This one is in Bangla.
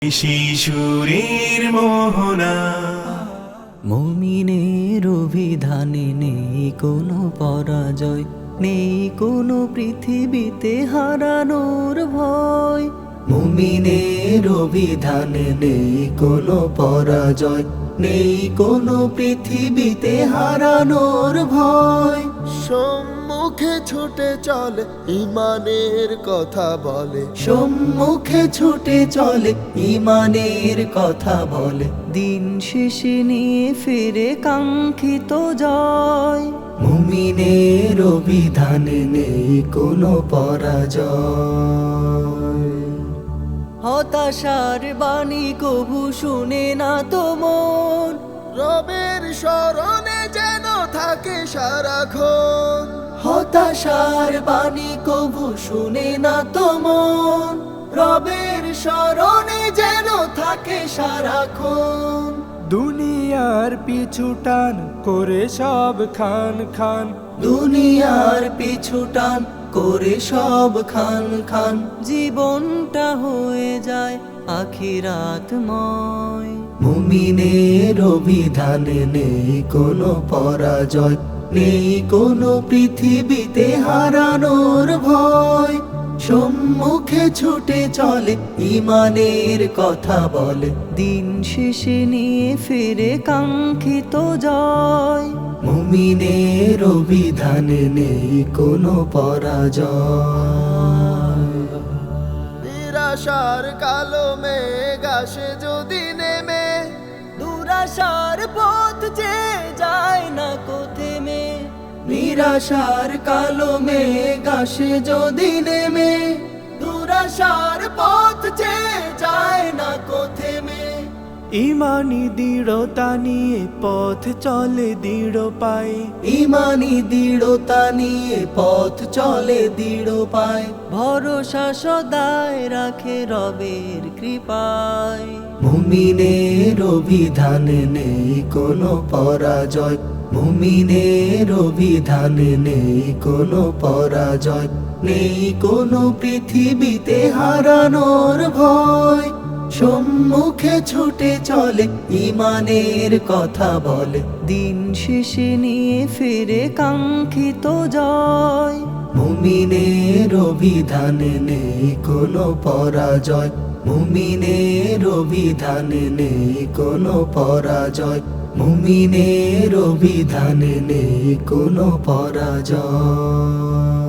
শিশুরের মোহনা। মুমিনের অভিধানে নেই কোনো পরাজয়, নেই কোনো পৃথিবীতে হারানোর ভয়। মুমিনের অভিধানে নেই কোনো পরাজয়, নেই কোনো পৃথিবীতে হারানোর ভয়। সম্মুখে ছুটে চলে ইমানের কথা বলে, সম্মুখে ছুটে চলে ইমানের কথা বলে। দিন শেষে নিয়ে ফিরে কাঙ্ক্ষিত জয়। মুমিনের অভিধানে নেই কোনো পরাজয়। হতাশার বাণী কভু শুনে না তো মন, রবের স্মরণে যেন থাকে সারাক্ষণ। হতাশার বাণী কভু শুনে না তো মন, রবের স্মরণে যেন থাকে সারাক্ষণ। দুনিয়ার পিছু টান করে সব খান খান, দুনিয়ার পিছু টান করে সব খান খান। জীবনটা হয়ে যায় আখিরাতময়। মুমিনের অভিধানে নেই কোনো পরাজয়, নেই কোনো পৃথিবীতে হারানোর ভয়। সম্মুখে ছুটে চলে ইমানের কথা বলে, দিন শেষে নিয়ে ফিরে কাঙ্ক্ষিত জয়। মুমিনের অভিধানে নেই কোনো পরাজয়। নিরাশার কালো মেঘ আসে যদি নেমে, দুরাশার পথ যে যায় না কোথেমে। নিরাশার কালো মেঘ আসে যদি নেমে, দুরাশার পথ যে যায় না কোথেমে। ইমানি দৃঢ়তা নিয়ে পথ চলে দৃঢ় পায়, ইমানি দৃঢ়তা নিয়ে পথ চলে দৃঢ় পায়। ভরসা সদায় রাখে রবের কৃপায়। মুমিনের অভিধানে নেই কোনো পরাজয়, মুমিনের অভিধানে নেই কোনো পরাজয়, নেই কোনো পৃথিবীতে হারানোর ভয়। সম্মুখে ছুটে চলে ইমানের কথা বলে, দিন শেষে নিয়ে ফিরে কাঙ্ক্ষিত জয়। মুমিনের অভিধানে নেই কোনো পরাজয়, মুমিনের অভিধানে নেই কোনো পরাজয়, মুমিনের অভিধানে নেই কোনো পরাজয়।